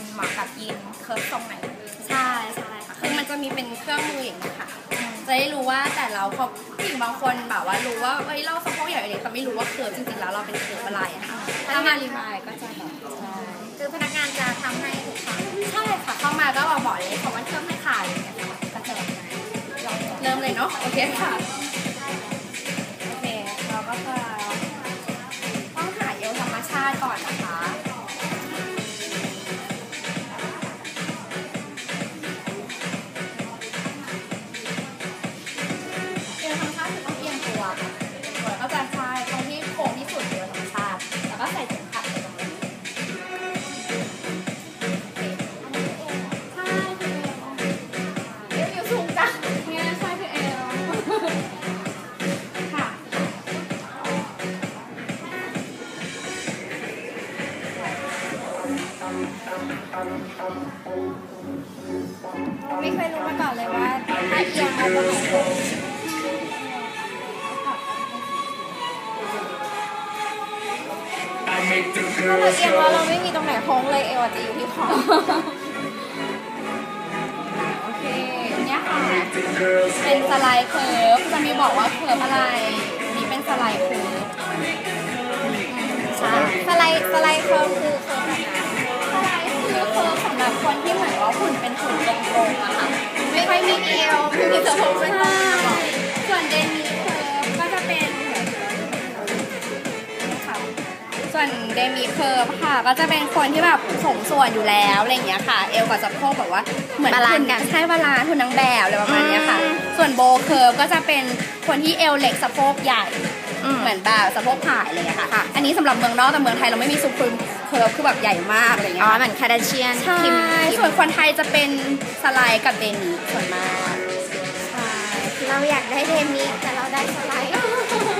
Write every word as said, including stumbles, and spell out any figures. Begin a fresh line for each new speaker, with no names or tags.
คนเหมาะกับยีนเคิร์ฟตรงไหน
ใช่ใช่ค่ะคือมันจะมีเป็นเครื่องมืออย่างนี้ค่ะจะได้รู้ว่าแต่เราพอผู้หญิงบางคนแบบว่ารู้ว่าเอ้ยเราสะโพกใหญ่เลยแต่ไม่รู้ว่าเคิร์ฟจริงๆแล้วเราเป็นเคิร์ฟอะไรอะค่ะถ้ามารีมายก็จะแบบใช่
คือพนักงานจะทำให้ทุกครั้ง
ใช่ค่ะเข้ามาก็บอกเลยของมันเครื่องไม่ขายอย่างเงี้ยค่ะก็จะแบบเริ่มเลยเนาะโอเคค่ะโอเคเราก็จะต้องหาเอวธรรมชาติก่อนนะคะเอวธรรมชาติคือต้องเอียงตัวค่ะตัวก็จะใช่ตรงที่โค้งที่สุดเอวธรรมชาติแล้วก็ใส่เข็มขัดไปตรงนี้ไม่เคยรู้มาก่อนเลยว่าถ้าเอียงเราจะหายโค้งถ้าเราเอียงแล้วเราไม่มีตรงไหนโค้งเลยเอวจะอยู่ที่คอโอเคเนี่ยค่ะเป็นสไลด์เคิร์ฟจะมีบอกว่าเคิร์ฟอะไรนี่เป็นสไลด์เคิร์ฟ
ใช่สไลด์สไลด์เคิร์ฟคือเคิร์ฟแบบนั้น
สไลด์คือเคิร์ฟสำหรับคนที่เหมือนว่าหุ่นเป็นหุ่นตรงๆอะค่ะไม่ค่อยมีเอวไม่มีสะโพกเป็นตรงส่วนเดนิเคิร์ฟก็จะเป็นส่วนเดมิเคิร์ฟค่ะก็จะเป็นคนที่แบบสมส่วนอยู่แล้วอะไรอย่างเงี้ยค่ะเอวกับสะโพกแบบว่าเหมือนหุ่นกันใช่บาลานซ์หุ่นนางแบบอะไรประมาณนี้ค่ะส่วนโบเคิร์ฟก็จะเป็นคนที่เอวเล็กสะโพกใหญ่เหมือนแบบสะโพกผ่ายอะไรอย่างเงี้ยค่ะอันนี้สำหรับเมืองนอกแต่เมืองไทยเราไม่มีซูเปอร์เคิร์ฟคือแบบใหญ่มากอะไรอย่างเงี้ย
อ๋อเหมือนคาร์ดาเชียน
ใช่ส่วนคนไทยจะเป็นสไลด์กับเดนิส่วนมาก
ใช่เราอยากได้เดมิแต่เราได้สไลด์